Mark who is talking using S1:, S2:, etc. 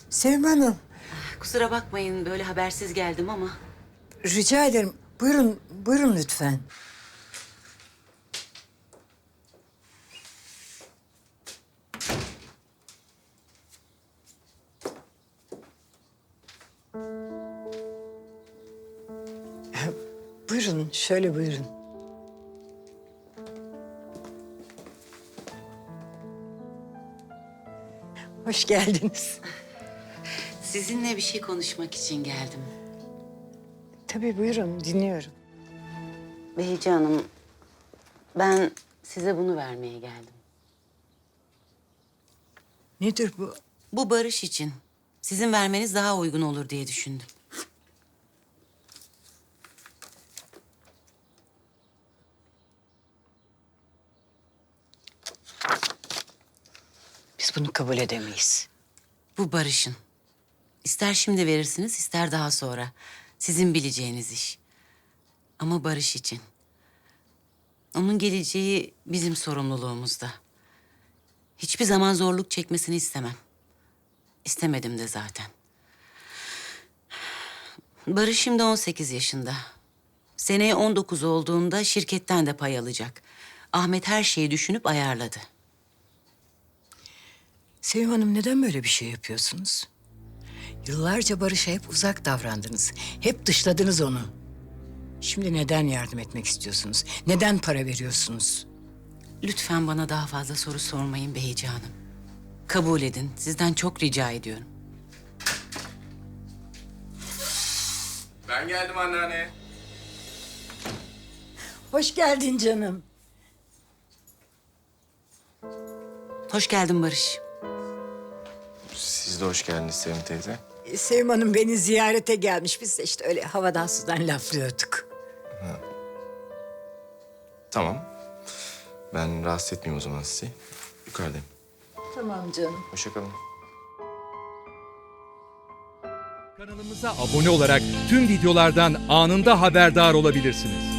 S1: Sevim Hanım,
S2: Kusura bakmayın böyle habersiz geldim ama.
S1: rica ederim. Buyurun, buyurun lütfen. Buyurun, şöyle buyurun. Hoş geldiniz.
S2: Sizinle bir şey konuşmak için geldim.
S1: Tabii buyurun, dinliyorum.
S2: Behice Hanım, ben size bunu vermeye geldim.
S1: Nedir bu?
S2: Bu barış için. Sizin vermeniz daha uygun olur diye düşündüm.
S1: Biz bunu kabul edemeyiz.
S2: Bu barışın. İster şimdi verirsiniz, ister daha sonra. Sizin bileceğiniz iş. Ama barış için. Onun geleceği bizim sorumluluğumuzda. Hiçbir zaman zorluk çekmesini istemem. İstemedim de zaten. Barış şimdi 18 yaşında. Seneye 19 olduğunda şirketten de pay alacak. Ahmet her şeyi düşünüp ayarladı.
S1: Sevim Hanım, neden böyle bir şey yapıyorsunuz? Yıllarca Barış'a hep uzak davrandınız. Hep dışladınız onu. Şimdi neden yardım etmek istiyorsunuz? Neden para veriyorsunuz?
S2: Lütfen bana daha fazla soru sormayın Behice Hanım. Kabul edin. Sizden çok rica ediyorum.
S3: Ben geldim anneanne.
S1: Hoş geldin canım.
S2: Hoş geldin Barış.
S3: Siz de hoş geldiniz Sevim teyze.
S1: Sevim Hanım beni ziyarete gelmiş. Biz de işte öyle havadan sudan laflıyorduk.
S3: Tamam. Ben rahatsız etmeyeyim o zaman sizi. Yukarıdayım.
S1: Tamam canım.
S3: Hoşça kalın.
S4: Kanalımıza abone olarak tüm videolardan anında haberdar olabilirsiniz.